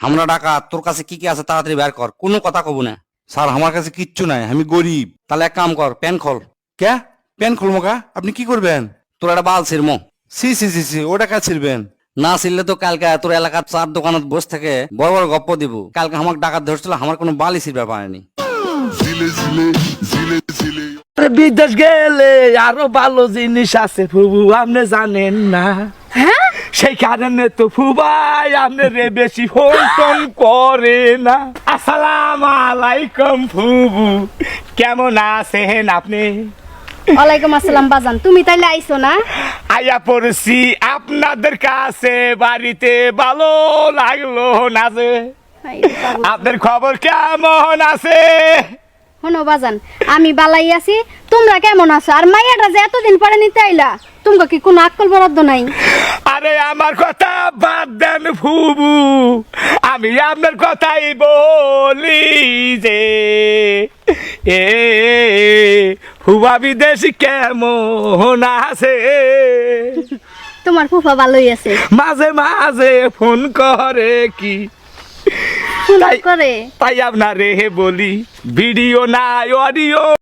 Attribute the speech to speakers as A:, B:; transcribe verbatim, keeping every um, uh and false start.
A: আমরা ডাকাত, তোর কাছে কি কি আছে তাড়াতাড়ি বের কর, কোনো কথা কব না।
B: স্যার আমার কাছে কিচ্ছু নাই, আমি গরিব।
A: তাহলে এক কাম কর, প্যান খোল।
B: কে প্যান খুলবো কা? আপনি কি করবেন?
A: তোর একটা বাল ছিড়ম।
B: সি সি সি সি ওটা কা ছিড়বেন?
A: না ছিড়লে তো কালকে তোর এলাকার চার দোকানত বসে থেকে বড় বড় গপ্প দিব। কালকে আমার ডাকাত ধরছিল, আমার কোনো বালি ছিড়বে পারেনি।
C: বিদেশ গেলে আরো ভালো জিনিস আছে ফুবু, আপনি জানেন না?
D: হ্যাঁ
C: সেই কারণে তো ফুবাই আপনি রে বেশি ফোন টোন করে না। আসসালাম আলাইকুম ফুবু, কেমন আছেন আপনি?
D: ওয়ালাইকুম আসসালাম বাজান, তুমি তাইলে আইছো না?
C: আয়া পড়ছি আপনাদের কাছে, বাড়িতে ভালো লাগলো না যে।
D: হাই রে পাগল।
C: আপনার খবর কেমন আছে?
D: শোনো বাজান, আমি বালাই আছি, তোমরা কেমন আছো? আর মাইয়াটা যে এতদিন পরে নিতে আইলা, তোমাকে কি কোনো আক্কল বরাদ্দ নাই?
C: আরে আমার কথা বাদ দেন ফুবু, আমি আপনার কথাই বলি যে এ ফুবা বিদেশি কেমন আছে?
D: তোমার ফুফা ভালোই আছে,
C: মাঝে মাঝে ফোন করে কি,
D: ফোন
C: তাই-
D: করে।
C: তাই আপনারে বলি ভিডিও নাই অডিও